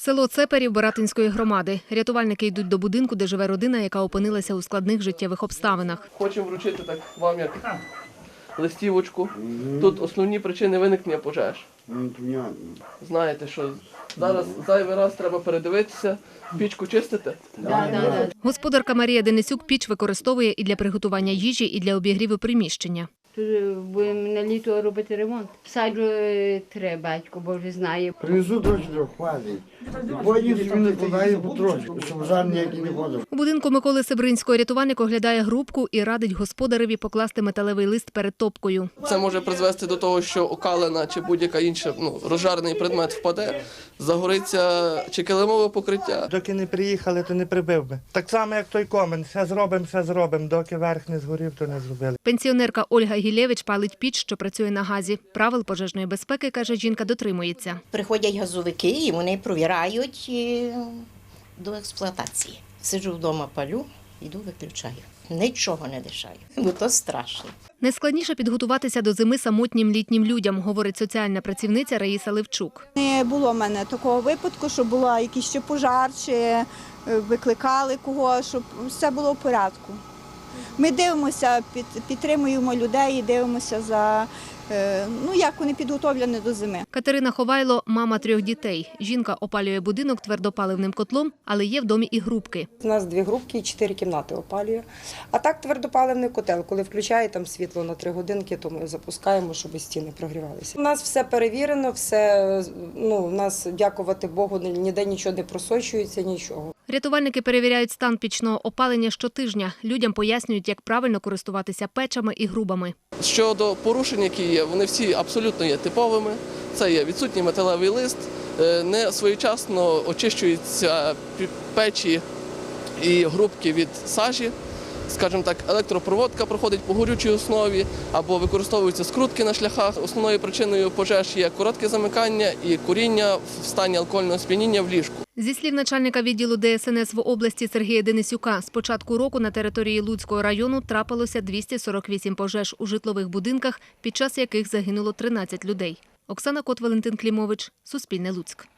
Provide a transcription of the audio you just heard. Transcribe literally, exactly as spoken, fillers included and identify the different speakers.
Speaker 1: Село Цеперів Баратинської громади. Рятувальники йдуть до будинку, де живе родина, яка опинилася у складних життєвих обставинах.
Speaker 2: Хочемо вручити так вам як листівочку. Тут основні причини виникнення пожеж. Знаєте, що зараз зайвий раз треба передивитися, пічку чистити.
Speaker 1: Да, да, да. Господарка Марія Денисюк піч використовує і для приготування їжі, і для обігріву приміщення.
Speaker 3: Тут будемо на літо робити ремонт. Саджу треба, батько Боже знає.
Speaker 4: Привезу трошки, хватить. Потім собі накладаю потрошку, щоб жар ніякий не ходив.
Speaker 1: У будинку Миколи Сибринського рятувальник оглядає грубку і радить господареві покласти металевий лист перед топкою.
Speaker 2: Це може призвести до того, що окалина чи будь-яка інша ну, розжарений предмет впаде, загориться чи килимове покриття.
Speaker 5: Доки не приїхали, то не прибив би. Так само, як той комен. Все зробимо, все зробимо. Доки верх не згорів, то не зробили.
Speaker 1: Пенсіонерка Ольга Гілєвич палить піч, що працює на газі. Правил пожежної безпеки, каже жінка, дотримується.
Speaker 6: Приходять газовики і вони провірають до експлуатації. Сиджу вдома, палю, йду, виключаю. Нічого не лишаю, бо то страшно.
Speaker 1: Найскладніше підготуватися до зими самотнім літнім людям, говорить соціальна працівниця Раїса Левчук.
Speaker 7: Не було в мене такого випадку, щоб була якийсь ще пожар, чи викликали кого, щоб все було в порядку. Ми дивимося, підтримуємо людей і дивимося за, ну, як вони підготовлені до зими.
Speaker 1: Катерина Ховайло – мама трьох дітей. Жінка опалює будинок твердопаливним котлом, але є в домі і грубки.
Speaker 8: У нас дві грубки і чотири кімнати опалює. А так твердопаливний котел, коли включає там світло на три годинки, то ми запускаємо, щоб стіни прогрівалися. У нас все перевірено, все, ну, у нас, дякувати Богу, ніде нічого не просочується, нічого.
Speaker 1: Рятувальники перевіряють стан пічного опалення щотижня. Людям пояснюють, як правильно користуватися печами і грубами.
Speaker 2: Щодо порушень, які є, вони всі абсолютно є типовими. Це є відсутній металевий лист, не своєчасно очищуються печі і грубки від сажі. Скажімо так, електропроводка проходить по горючій основі або використовуються скрутки на шляхах. Основною причиною пожеж є коротке замикання і куріння в стані алкогольного сп'яніння в ліжку.
Speaker 1: Зі слів начальника відділу Де Ес Ен Ес в області Сергія Денисюка, з початку року на території Луцького району трапилося двісті сорок вісім пожеж у житлових будинках, під час яких загинуло тринадцять людей. Оксана Кот, Валентин Клімович, Суспільне Луцьк.